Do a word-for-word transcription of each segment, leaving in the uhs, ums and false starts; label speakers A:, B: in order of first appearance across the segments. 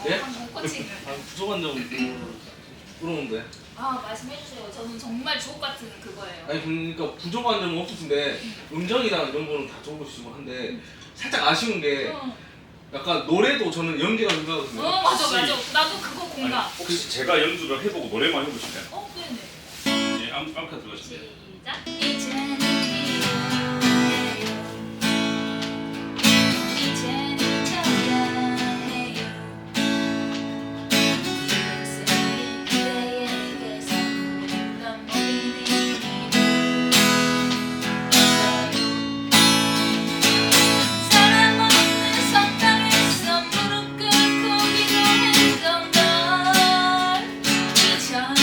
A: 예?
B: 방금 코칭을.
A: 아, 부족한 점 물어보는데.
B: 아 말씀해주세요. 저는 정말 주옥 같은 그거예요.
A: 아니 그러니까 부족한 점은 없으신데 음정이랑 이런 거는 다 좋으시고 한데 살짝 아쉬운 게
B: 어,
A: 약간 노래도 저는 연기가 생각하거든요.
B: 어 맞아
C: 혹시-
B: 맞아. 나도 그거 공감.
C: 아니, 혹시 제가 연주를 해보고 노래만 해보실래요?
B: 어 네네.
C: 예, 아무 아무나 들어가실래요?
B: 시작. 이제는 이제는 전화해요. 그새 그대에게서 넌 모르니 사람 없는 석당에서 무릎 꿇고 기도했던 널 잊어.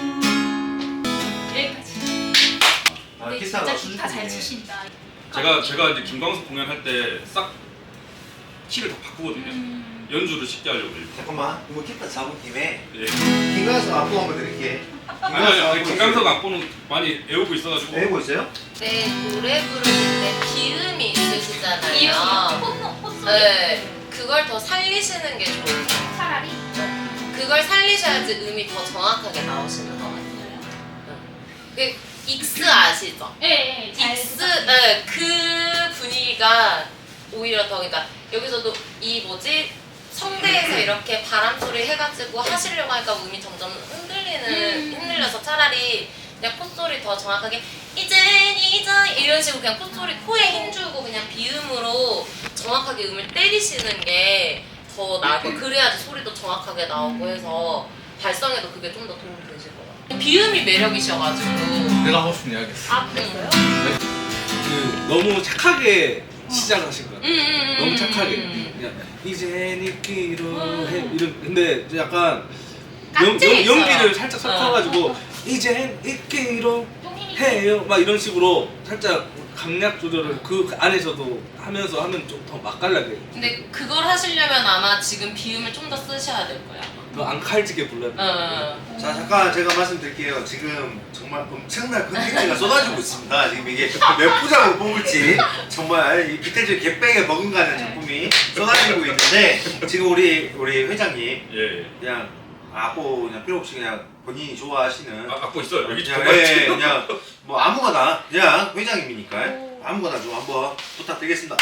B: 여기까지.
D: 아,
B: 근데
D: 기타가
B: 진짜 기타 잘
D: 수준이네.
B: 치신다.
C: 제가 제가 이제 김광석 공연할 때 싹 키를 다 바꾸거든요.
B: 음.
C: 연주를 쉽게 하려고 이렇게.
D: 잠깐만, 이거 기타 잡은 김에
C: 예.
D: 김광석 안무 한번 드릴게.
C: 아니 아니 아니 김광석 악보는 많이 애우고 있어가지고.
D: 배우고 있어요?
E: 네, 노래 부를 때 비음이 있으시잖아요.
B: 이음 콧노 콧소리.
E: 네, 그걸 더 살리시는 게 좋아요.
B: 차라리.
E: 그걸 살리셔야지 음이 더 정확하게 나오시는 것 같아요. 그 익스 아시죠?
B: 예, 예. 잘
E: 익스, 네, 그 분위기가 오히려 더, 그러니까 여기서도 이 뭐지? 성대에서 이렇게 바람 소리 해가지고 하시려고 하니까 음이 점점 흔들리는,
B: 음.
E: 흔들려서 차라리 그냥 콧소리 더 정확하게 이젠 이젠 이런 식으로 그냥 콧소리 코에 힘주고 그냥 비음으로 정확하게 음을 때리시는 게 더 나고 그래야지 소리도 정확하게 나오고 해서 발성에도 그게 좀 더 도움이 되실 것 같아요. 비음이 매력이셔가지고.
A: 내가 하고 싶은 이야기 있어.
B: 아 그랬어요?
A: 그 너무 착하게 시작하신 거야.
E: 음, 음, 음,
A: 너무 착하게.
E: 음.
A: 그냥 이제 잊기로
B: 음.
A: 해 이런. 근데 이제 약간 연,
E: 깍지
A: 연,
E: 있어요.
A: 연기를 살짝 섞어가지고
B: 어.
A: 이제 잊기로
B: 좀 힘이
A: 해요. 막 이런 식으로 살짝 강약 조절을 그 안에서도 하면서 하면 좀 더 맛깔나게.
E: 근데 그걸 하시려면 아마 지금 비음을 좀 더 쓰셔야 될 거야.
A: 더 앙칼지게 불러야 돼.
E: 어.
D: 자, 잠깐 제가 말씀드릴게요. 지금 정말 엄청난 컨텐츠가 쏟아지고 있습니다. 지금 이게 몇 부작으로 뽑을지 정말 이 빅텐츠 개백에 머금가는 작품이 쏟아지고 있는데 지금 우리 우리 회장님
C: 예. 예.
D: 그냥 악보 그냥 필요 없이 그냥 본인이 좋아하시는
C: 아, 악보 있어요. 여기
D: 그냥,
C: 정말
D: 예, 그냥 뭐 아무거나 그냥 회장님이니까 아무거나 좀 한번 부탁드리겠습니다.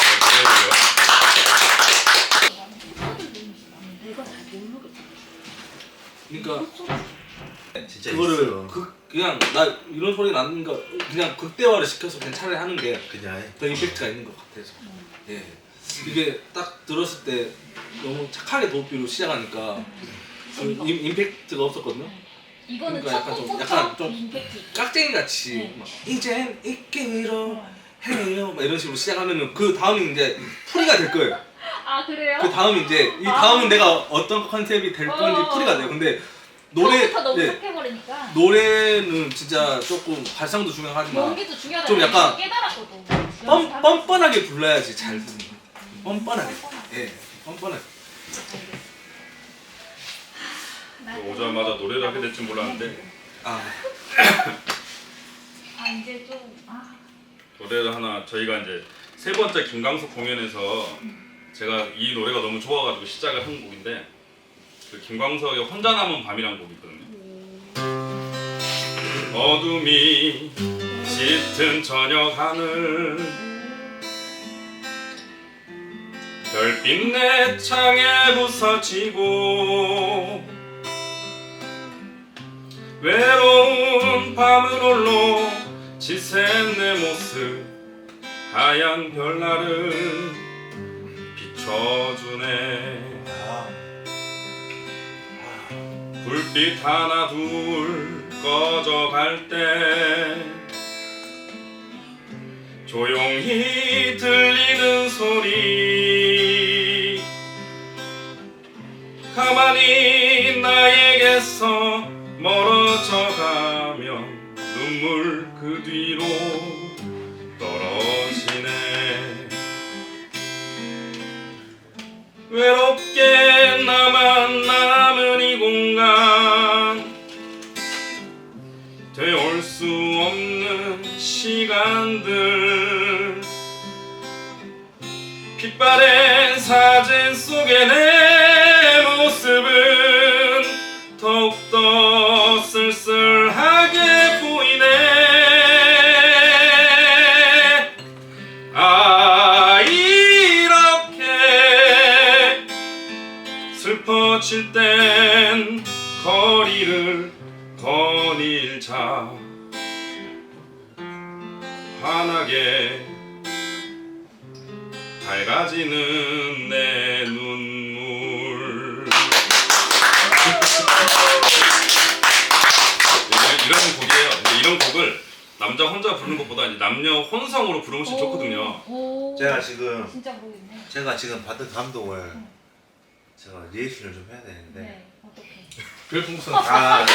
B: 내가 잘 모르겠어.
A: 그러니까
D: 진짜
A: 그거를
D: 있어.
A: 극 그냥 나 이런 소리 나는 거 그냥 극대화를 시켜서 그냥 차라리 하는 게 더
D: 그냥
A: 임팩트가 있는 것 같아서. 예. 이게 딱 들었을 때 너무 착하게 도피로 시작하니까 그 임, 임팩트가 없었거든요.
B: 이거는
A: 그러니까
B: 첫
A: 약간 좀-
B: 곡부터
A: 약간 좀
B: 임팩트 있게.
A: 깍쟁이 같이
B: 네.
A: 막 이젠 잊기로 해요 막 이런 식으로 시작하면은 그 다음이 이제 풀이가 될 거예요.
B: 아 그래요?
A: 그 다음이 이제 이 다음은 내가 어떤 컨셉이 될 건지
B: 어.
A: 풀이가 돼요. 근데 노래
B: 처음부터 너무
A: 예,
B: 착해버리니까.
A: 노래는 진짜 조금 발성도 중요하지만
B: 연기도 중요하다.
A: 좀 약간
B: 깨달았거든.
A: 뻔, 뻔뻔하게 불러야지 잘 부르는 거예요. 뻔뻔하게. 예, 뻔뻔하게.
C: 오자마자 노래를 하게 될 줄 몰랐는데
A: 아,
B: 아 이제 좀 아.
C: 노래를 하나 저희가 이제 세 번째 김광석 공연에서 제가 이 노래가 너무 좋아가지고 시작을 한 곡인데 그 김광석의 혼자 남은 밤이라는 곡이 있거든요. 어둠이 짙은 저녁 하늘 별빛 내 창에 부서지고 외로운 밤을 홀로 지샌 내 모습 하얀 별날은 비춰주네. 불빛 하나 둘 꺼져갈 때 조용히 들리는 소리 가만히 나에게서 멀어져 가면 눈물 그 뒤로 떨어지네. 외롭게 나만 남은 이 공간 되올 수 없는 시간들 빛바랜 사진 속에 내 거리를 거닐자 환하게 밝아지는 내 눈물. 이런, 이런 곡이에요. 근데 이런 곡을 남자 혼자 부르는 것보다 이제 남녀 혼성으로 부르면 훨씬 좋거든요.
B: 오.
D: 제가 지금
B: 진짜 모르겠네.
D: 제가 지금 받은 감동을 제가 리액션을 좀 해야 되는데
B: 네. 어떻게?
A: 별풍선.
D: 아, 네.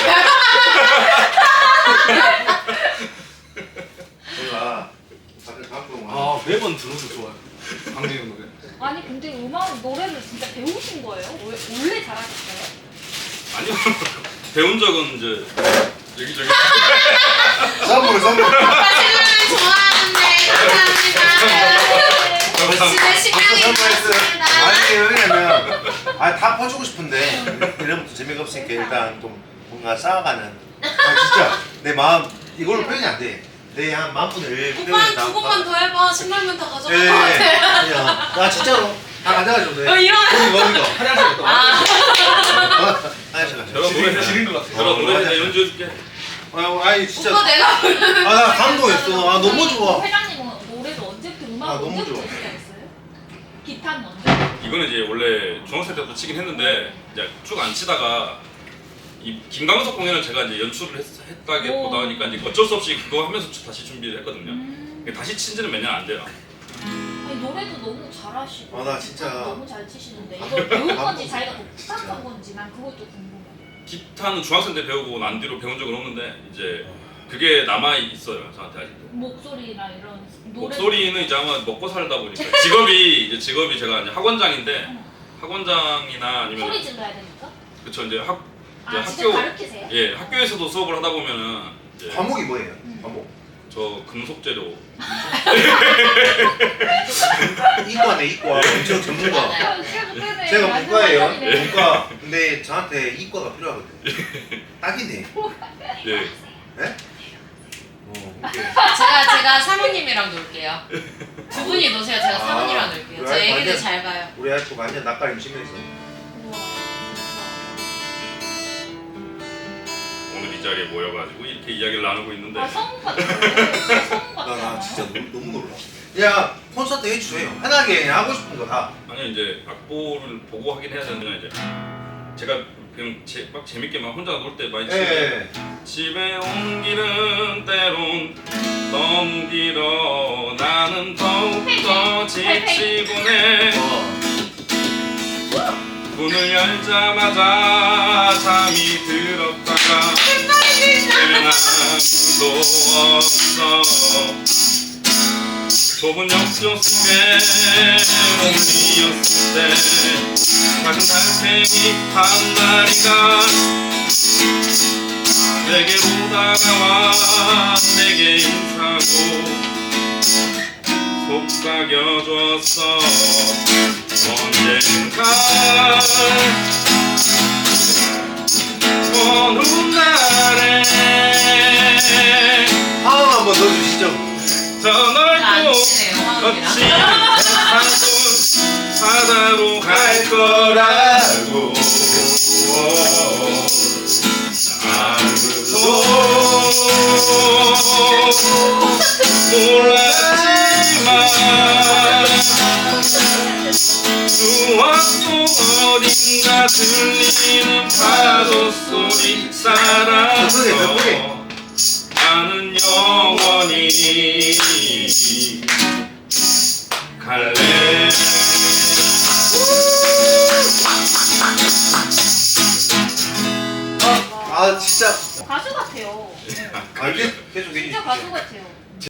D: 제가 받은 감동을
A: 아 매번 들어도 좋아요. 강진영 노래.
B: 아니 근데 음악 노래를 진짜 배우신 거예요? 왜, 원래 잘하셨어요?
C: 아니요. 배운 적은 이제 여기저기.
D: 선물 선물
E: 사실은 좋아하는데 감사합니다. 집에 식량이 있었습니다.
D: 아니 왜냐면 아다 퍼주고 싶은데 이러면 또 재미가 없으니까 일단 좀 뭔가 쌓아가는 아 진짜 내 마음 이걸로 표현이 안돼내 한 마음분을
E: 오빠 두 곡만 더 해봐. 십만면 다 가져갈 것
D: 예,
E: 같아.
D: 그냥 아 진짜로 다 가져가죠 돼
E: 어, 이런.
D: 거기 거기가
A: 화장실 갔다 와.
E: 아,
D: 화장실 가죠
C: 제가 노래
A: 지린 것 같아.
C: 제가 노래 이제 연주해줄게.
D: 아, 아니 진짜
E: 오빠 내가 부르는
D: 아 나 감동했어 아 너무 좋아
B: 회장님은 노래를 언제부터 음악
D: 아, 너무
B: 언제부터
D: 좋아.
B: 시작했어요? 기타는 언제?
C: 이거는 이제 원래 중학생 때부터 치긴 했는데 이제 쭉 안 치다가 이 김광석 공연을 제가 이제 연출을 했, 했다기보다
B: 오.
C: 하니까 이제 어쩔 수 없이 그거 하면서 다시 준비를 했거든요.
B: 음.
C: 다시 친 지는 몇 년 안 돼요.
B: 아니 노래도 너무 잘하시고
D: 아, 나 진짜-
B: 기타도 너무 잘 치시는데 이걸 배운 건지
D: 감동.
B: 자기가
D: 진짜.
B: 독학한 건지 난 그것도 궁금해.
C: 기타는 중학생 때 배우고 난 뒤로 배운 적은 없는데 이제 그게 남아 있어요 저한테 아직도.
B: 목소리나 이런 노래
C: 목소리는 이제 아마 먹고 살다 보니까 직업이 이제 직업이 제가 이제 학원장인데 학원장이나 아니면
B: 소리 질러야 되니까.
C: 그쵸 이제 학 이제
B: 아 진짜
C: 학교
B: 가르치세요?
C: 예 학교에서도 수업을 하다 보면은 이제
D: 과목이 뭐예요? 과목
C: 저 금속재료
D: 이과네 이과 엄청 전문가
E: 맞아요.
D: 제가
B: 완전
D: 문과예요
B: 완전이네.
D: 문과 근데 저한테 이과가 필요하거든요 딱이네
C: 예
D: 네? 어 오케이
E: 제가 제가 사모님이랑 놀게요. 두 분이 노세요. 제가
D: 아,
E: 사모님이랑 놀게요. 저
D: 그래?
E: 애기들
D: 완전-
E: 잘 봐요.
D: 우리 아이고 완전 낯가림 심해서
B: 우와.
C: 오늘 이 자리에 모여가지고 이렇게 이야기를 나누고 있는데
B: 아 성우 같아. 진짜 성우 같아.
D: 나, 나 진짜 너무, 너무 놀라 야 콘서트 해주세요 편하게 그냥 하고 싶은 거다
C: 아니 이제 악보를 보고 하긴 해야 되는데 이제 제가 그냥 제, 막 재밌게 막 혼자 놀 때 많이 치는데
D: 예.
C: 집에 온 길은 때론 너무 길어 나는 더욱더 지치곤 해
D: 어.
C: 문을 열자마자 잠이 들었다가 깨면 아무도 없어 좁은 욕조 속에 몸이었을 때 작은 달팽이 한 마리가 내게로 다가와 내게 인사하고 속삭여줬어 언젠가 어느 날에
D: 화음 한번 넣어주시죠
C: 저
E: 안
C: 넓고
E: 치네요, 화음이랑.
C: 거친 세상 바다로 갈 거라고 아무도 몰랐지만 수학 속 어딘가 들리는 파도 소리 따라서 나는 영원히 갈래
D: 아 진짜
B: 가수 같아요.
D: 아, 계속 계속
B: 진짜
D: 해주시죠
B: 가수 같아요.